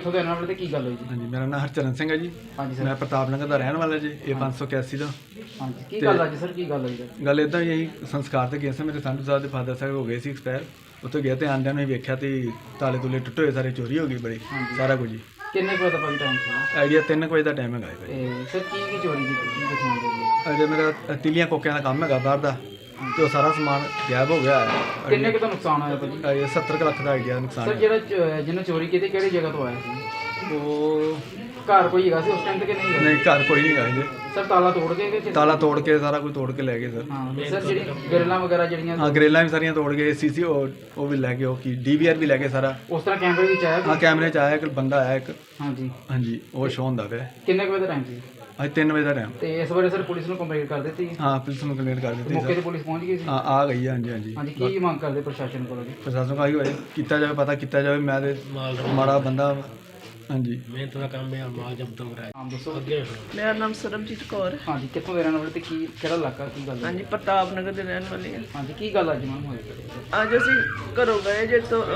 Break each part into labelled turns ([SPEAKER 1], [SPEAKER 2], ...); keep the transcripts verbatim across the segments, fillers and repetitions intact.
[SPEAKER 1] ਕਿੱਥੋਂ ਦੇ ਰਹਿਣ ਵਾਲੇ ਤੇ ਕੀ ਗੱਲ ਹੋਈ ਜੀ?
[SPEAKER 2] ਹਾਂਜੀ, ਮੇਰਾ ਨਾਮ ਹਰਚਰਨ ਸਿੰਘ ਹੈ ਜੀ।
[SPEAKER 1] ਹਾਂਜੀ
[SPEAKER 2] ਮੈਂ
[SPEAKER 1] ਸਰ।
[SPEAKER 2] ਪ੍ਰਤਾਪ ਨਗਰ ਦਾ ਰਹਿਣ ਵਾਲਾ ਜੀ, ਇਹ ਪੰਜ ਸੌ ਇਕਿਆਸੀ ਦਾ।
[SPEAKER 1] ਹਾਂਜੀ ਕੀ
[SPEAKER 2] ਤੇ-
[SPEAKER 1] ਗੱਲ ਅੱਜ ਸਰ ਕੀ ਗੱਲ ਹੋਈ ਸਰ?
[SPEAKER 2] ਗੱਲ ਇੱਦਾਂ ਹੀ ਅਸੀਂ ਸੰਸਕਾਰ ਤੇ ਗਏ ਸੀ, ਮੇਰੇ ਸੰਧੂ ਸਾਹਿਬ ਦੇ ਫਾਦਰ ਸਾਹਿਬ ਹੋ ਗਏ ਸੀ ਐਕਸਪਾਇਰ। ਉੱਥੇ ਗਿਆ ਤੇ ਆਂਦਿਆਂ ਨੂੰ ਹੀ ਵੇਖਿਆ ਤੇ ਤਾਲੇ ਤੁਲੇ ਟੁੱਟੇ ਹੋਏ, ਸਾਰੇ ਚੋਰੀ ਹੋ ਗਈ ਬੜੀ,
[SPEAKER 1] ਹਾਂਜੀ।
[SPEAKER 2] ਸਾਰਾ ਕੁਝ ਜੀ।
[SPEAKER 1] ਕਿੰਨੇ ਕੁ ਵਜੇ ਦਾ ਭਾਈ ਟਾਈਮ ਸੀ?
[SPEAKER 2] ਆਈਡੀਆ ਤਿੰਨ ਕੁ ਵਜੇ ਦਾ ਟਾਈਮ ਹੈਗਾ ਜੀ।
[SPEAKER 1] ਤੇ ਸਰ ਕੀ ਕੀ ਚੋਰੀ ਕੀਤੀ ਕੀ ਦੱਸਣਾ ਚਾਹੀਦਾ?
[SPEAKER 2] ਅਜੇ ਮੇਰਾ ਤਿਲੀਆਂ ਕੋਕਿਆਂ ਦਾ ਕੰਮ ਹੈਗਾ ਬਾਹਰ ਦਾ, ਤੇ ਉਹ ਸਾਰਾ ਸਮਾਨ ਗਾਇਬ ਹੋ ਗਿਆ ਹੈ।
[SPEAKER 1] ਕਿੰਨੇ ਕੁ ਦਾ ਨੁਕਸਾਨ ਹੋਇਆ ਭਾਜੀ?
[SPEAKER 2] ਇਹ ਸੱਤਰ ਕੁ ਲੱਖ ਦਾ ਆਈਡੀਆ ਨੁਕਸਾਨ
[SPEAKER 1] ਸਰ
[SPEAKER 2] ਹੈ।
[SPEAKER 1] ਜਿਹੜਾ ਚ- ਜਿਹਨੇ ਚੋਰੀ ਕੀਤੀ ਕਿਹੜੀ ਜਗ੍ਹਾ ਤੋਂ ਆਇਆ ਸੀ?
[SPEAKER 2] ਉਹ
[SPEAKER 1] ਘਰ ਕੋਈ ਹੈਗਾ ਸੀ ਉਸ ਟਾਈਮ ਤੇ ਕਿ ਨਹੀਂ ਹੈਗਾ?
[SPEAKER 2] ਨਹੀਂ, ਘਰ ਕੋਈ ਨਹੀਂ ਹੈਗਾ ਜੀ।
[SPEAKER 1] ਸਰ ਤਾਲਾ ਤੋੜ ਕੇ ਕਿ
[SPEAKER 2] ਤਾਲਾ ਤੋੜ ਕੇ ਸਾਰਾ ਕੁਝ ਤੋੜ ਕੇ ਲੈ ਗਏ ਸਰ।
[SPEAKER 1] ਹਾਂ ਤੇ ਸਰ ਜਿਹੜੀ ਗਰਲਾਂ ਵਗੈਰਾ ਜਿਹੜੀਆਂ
[SPEAKER 2] ਹਾਂ, ਗਰੇਲਾਂ ਵੀ ਸਾਰੀਆਂ ਤੋੜ ਗਏ, ਸੀਸੀ ਉਹ ਵੀ ਲੈ ਗਏ, ਉਹ ਕੀ ਡੀਵੀਆਰ ਵੀ ਲੈ ਗਏ ਸਾਰਾ।
[SPEAKER 1] ਉਸ ਤਰ੍ਹਾਂ ਕੈਮਰੇ ਵਿੱਚ ਆਇਆ
[SPEAKER 2] ਹਾਂ,
[SPEAKER 1] ਕੋਈ?
[SPEAKER 2] ਕੈਮਰੇ 'ਚ ਆਇਆ ਇੱਕ ਬੰਦਾ ਆਇਆ ਇੱਕ।
[SPEAKER 1] ਹਾਂਜੀ
[SPEAKER 2] ਹਾਂਜੀ, ਉਹ ਸ਼ੋਅ ਹੁੰਦਾ ਪਿਆ।
[SPEAKER 1] ਕਿੰਨੇ ਕੁ ਵਜੇ ਦਾ ਟਾਈਮ ਸੀ?
[SPEAKER 2] ਅੱਜ ਤਿੰਨ ਵਜੇ ਦਾ ਟਾਈਮ।
[SPEAKER 1] ਤੇ ਇਸ ਬਾਰੇ ਸਰ ਪੁਲਿਸ ਨੂੰ ਕੰਪਲੇਂਟ ਕਰ ਦਿੱਤੀ?
[SPEAKER 2] ਹਾਂ, ਪੁਲਿਸ ਨੂੰ ਕੰਪਲੇਂਟ ਕਰ ਦਿੱਤੀ
[SPEAKER 1] ਮੌਕੇ ਤੇ
[SPEAKER 2] ਸਰ।
[SPEAKER 1] ਪੁਲਿਸ ਪਹੁੰਚ ਗਈ ਸੀ?
[SPEAKER 2] ਹਾਂ, ਆ ਗਈ ਹੈ, ਹਾਂਜੀ ਹਾਂਜੀ।
[SPEAKER 1] ਹਾਂਜੀ ਕੀ ਮੰਗ ਕਰਦੇ ਪ੍ਰਸ਼ਾਸਨ ਕੋਲੋਂ ਜੀ?
[SPEAKER 2] ਪ੍ਰਸ਼ਾਸਨ ਕਹੀ ਹੋਏ ਕੀਤਾ ਜਾਵੇ, ਪਤਾ ਕੀਤਾ ਜਾਵੇ। ਮੈਂ ਤੇ ਮਾੜਾ ਬੰਦਾ ਵਾਂ। ਹਾਂਜੀ,
[SPEAKER 3] ਮਿਹਨਤ ਦਾ ਕੰਮ ਹੈ, ਮਾਲ ਜਬਤ ਕਰਾਇਆ
[SPEAKER 1] ਹਾਂ ਦੱਸੋ।
[SPEAKER 3] ਅੱਗੇ
[SPEAKER 4] ਮੇਰਾ ਨਾਮ ਸਰਬਜੀਤ ਕੌਰ।
[SPEAKER 1] ਹਾਂਜੀ ਕਿੱਥੋਂ ਦੇ ਰਹਿਣ ਵਾਲੇ ਤੇ ਕੀ ਕਿਹੜਾ ਇਲਾਕਾ ਕੀ ਗੱਲ ਹੈ?
[SPEAKER 4] ਹਾਂਜੀ, ਪ੍ਰਤਾਪ ਨਗਰ ਦੇ ਰਹਿਣ ਵਾਲੀ ਹਾਂ।
[SPEAKER 1] ਹਾਂਜੀ ਕੀ ਗੱਲ ਅੱਜ ਮੈਮ ਹੋਈ?
[SPEAKER 4] ਅੱਜ ਅਸੀਂ ਘਰੋਂ ਗਏ ਜੇ ਤੋਂ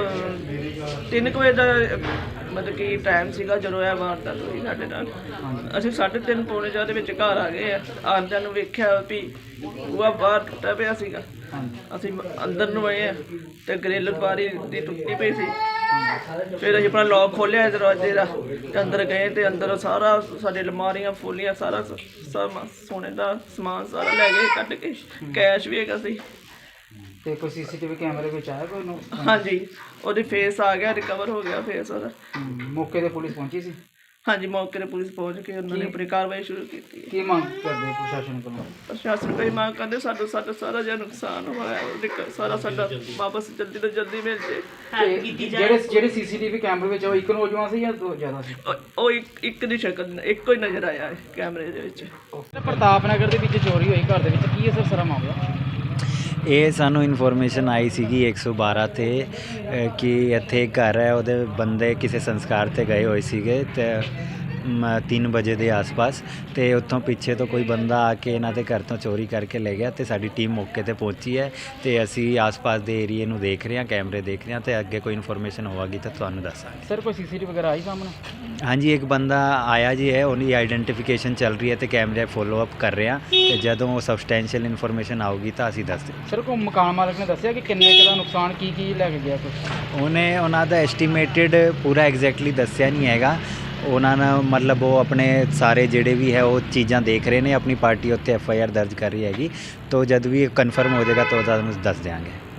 [SPEAKER 4] ਅਹ, ਤਿੰਨ ਕੁ ਵਜੇ ਦਾ ਅਹ, ਮਤਲਬ ਕਿ ਟਾਈਮ ਸੀਗਾ ਜਦੋਂ ਇਹ ਵਾਰਦਾਤ ਹੋਈ ਸਾਡੇ ਨਾਲ। ਅਸੀਂ ਸਾਢੇ ਤਿੰਨ ਪੌਣੇ ਚਾਰ ਦੇ ਵਿੱਚ ਘਰ ਆ ਗਏ ਆ। ਆਉਂਦਿਆਂ ਨੂੰ ਵੇਖਿਆ ਵੀ ਬੂਹਾ ਬਾਹਰ ਟੁੱਟਾ ਪਿਆ ਸੀਗਾ।
[SPEAKER 1] ਹਾਂਜੀ
[SPEAKER 4] ਅਸੀਂ ਅੰਦਰ ਨੂੰ ਆਏ ਆ ਤੇ ਗ੍ਰਿਲ ਬਾਰੀ ਦੀ ਟੁੱਟੀ ਪਈ ਸੀ। ਫਿਰ ਅਸੀਂ ਆਪਣਾ ਲੌਕ ਖੋਲ੍ਹਿਆ ਦਰਵਾਜ਼ੇ ਦਾ ਤੇ ਅੰਦਰ ਗਏ ਤੇ ਅੰਦਰ ਸਾਰਾ ਸਾਡੇ ਅਲਮਾਰੀਆਂ ਫੋਲੀਆਂ ਸਾਰਾ ਸ- ਸਮ- ਸੋਨੇ ਦਾ ਸਮਾਨ ਸਾਰਾ ਲੈ ਗਏ ਕੱਢ ਕੇ। ਕੈਸ਼ ਵੀ ਹੈਗਾ ਸੀ।
[SPEAKER 1] ਤੇ ਕੋਈ ਸੀਸੀਟੀਵੀ ਕੈਮਰੇ ਵਿੱਚ ਆਇਆ ਕੋਈ ਨੂੰ?
[SPEAKER 4] ਹਾਂਜੀ, ਉਹਦੇ ਫੇਸ ਆ ਗਿਆ, ਰਿਕਵਰ ਹੋ ਗਿਆ ਫੇਸ ਉਹਦਾ।
[SPEAKER 1] ਹਮ, ਮੌਕੇ ਤੇ ਪੁਲਿਸ ਪਹੁੰਚੀ ਸੀ?
[SPEAKER 4] ਹਾਂਜੀ, ਮੌਕੇ ਤੇ ਪੁਲਿਸ ਪਹੁੰਚ ਕੇ ਉਹਨਾਂ ਨੇ ਆਪਣੀ ਕਾਰਵਾਈ ਸ਼ੁਰੂ ਕੀਤੀ ਹੈ।
[SPEAKER 1] ਕੀ ਮੰਗ ਕਰਦੇ ਪ੍ਰਸ਼ਾਸਨ ਕੋਲੋਂ?
[SPEAKER 4] ਪ੍ਰਸ਼ਾਸਨ ਕੋਈ ਮੰਗ ਕਰਦੇ ਸਾਡਾ ਸਾਡਾ ਸਾਰਾ ਜਿਹਾ ਨੁਕਸਾਨ ਹੋਇਆ ਉਹਦੇ ਕ- ਸਾਰਾ ਸਾਡਾ ਵਾਪਸ ਜਲਦੀ ਤੋਂ ਜਲਦੀ ਮਿਲ ਜੇ।
[SPEAKER 1] ਤੇ ਜਿਹੜੇ ਜਿਹੜੇ ਸੀਸੀਟੀਵੀ ਕੈਮਰੇ ਵਿੱਚ ਆ, ਉਹ ਇੱਕ ਨੌਜਵਾਨ ਸੀ ਜਾਂ ਦੋ ਜ਼ਿਆਦਾ ਸੀ?
[SPEAKER 4] ਉਹ- ਉਹ ਇੱਕ ਇੱਕ ਦੀ ਸ਼ਕਲ ਇੱਕੋ ਹੀ ਨਜ਼ਰ ਆਇਆ ਹੈ ਕੈਮਰੇ ਦੇ ਵਿੱਚ।
[SPEAKER 1] ਪ੍ਰਤਾਪ ਨਗਰ ਦੇ ਵਿੱਚ ਚੋਰੀ ਹੋਈ ਘਰ ਦੇ ਵਿੱਚ, ਕੀ ਹੈ ਸਰ ਸਾਰਾ ਮਾਮਲਾ?
[SPEAKER 5] ਇਹ ਸਾਨੂੰ ਇਨਫੋਰਮੇਸ਼ਨ ਆਈ ਸੀਗੀ ਇੱਕ ਸੌ ਬਾਰਾਂ 'ਤੇ ਅ, ਕਿ ਇੱਥੇ ਇੱਕ ਘਰ ਹੈ, ਉਹਦੇ ਬੰਦੇ ਕਿਸੇ ਸੰਸਕਾਰ 'ਤੇ ਗਏ ਹੋਏ ਸੀਗੇ ਤੇ ਤਿੰਨ ਵਜੇ ਦੇ ਆਸ-ਪਾਸ, ਤੇ ਉੱਥੋਂ ਪਿੱਛੇ ਤੋਂ ਕੋਈ ਬੰਦਾ ਆ ਕੇ ਇਹਨਾਂ ਦੇ ਘਰ ਤੋਂ ਚੋਰੀ ਕਰਕੇ ਲੈ ਗਿਆ। ਤੇ ਸਾਡੀ ਟੀਮ ਮੌਕੇ ਤੇ ਪਹੁੰਚੀ ਹੈ ਤੇ ਅਸੀਂ ਆਸ-ਪਾਸ ਦੇ ਏਰੀਏ ਨੂੰ ਦੇਖ ਰਹੇ ਹਾਂ, ਕੈਮਰੇ ਦੇਖ ਰਹੇ ਹਾਂ, ਤੇ ਅੱਗੇ ਕੋਈ ਇਨਫੋਰਮੇਸ਼ਨ ਹੋਵੇਗੀ ਤਾਂ ਤੁਹਾਨੂੰ ਦੱਸਾਂਗੇ।
[SPEAKER 1] ਸਰ ਕੋਈ ਸੀਸੀਟੀਵੀ ਵਗੈਰਾ ਆਈ ਸਾਹਮਣੇ?
[SPEAKER 5] ਹਾਂਜੀ, ਇੱਕ ਬੰਦਾ ਆਇਆ ਜੀ ਹੈ, ਉਹਦੀ ਆਈਡੈਂਟੀਫਿਕੇਸ਼ਨ ਚੱਲ ਰਹੀ ਹੈ ਤੇ ਕੈਮਰੇ ਫੋਲੋ ਅਪ ਕਰ ਰਹੇ ਹਾਂ, ਤੇ ਜਦੋਂ ਉਹ ਸਬਸਟੈਂਸ਼ੀਅਲ ਇਨਫੋਰਮੇਸ਼ਨ ਆਊਗੀ ਤਾਂ ਅਸੀਂ ਦੱਸ ਦਿਆਂਗੇ।
[SPEAKER 1] ਸਰ ਕੋਈ ਮਕਾਨ ਮਾਲਕ ਨੇ ਦੱਸਿਆ ਕਿ ਕਿੰਨੇ ਕੁ ਦਾ ਨੁਕਸਾਨ ਕੀ ਕੀ ਲੈ ਕੇ ਗਿਆ ਕੁਛ?
[SPEAKER 5] ਉਹਨੇ ਉਹਨਾਂ ਦਾ ਐਸਟੀਮੇਟਿਡ ਪੂਰਾ ਐਗਜ਼ੈਕਟਲੀ ਦੱਸਿਆ ਨਹੀਂ ਹੈਗਾ। ਉਹਨਾਂ ਨੇ ਮਤਲਬ ਉਹ ਆਪਣੇ ਸਾਰੇ ਜਿਹੜੇ ਵੀ ਹੈ ਉਹ ਚੀਜ਼ਾਂ ਦੇਖ ਰਹੇ ਨੇ, ਆਪਣੀ ਪਾਰਟੀ ਉੱਤੇ ਐਫ ਆਈ ਆਰ ਦਰਜ ਕਰ ਰਹੀ ਹੈਗੀ। ਤੋ ਜਦ ਵੀ ਕਨਫਰਮ ਹੋ ਜਾਏਗਾ ਤਾਂ ਤੁਹਾਨੂੰ ਦੱਸ ਦਿਆਂਗੇ।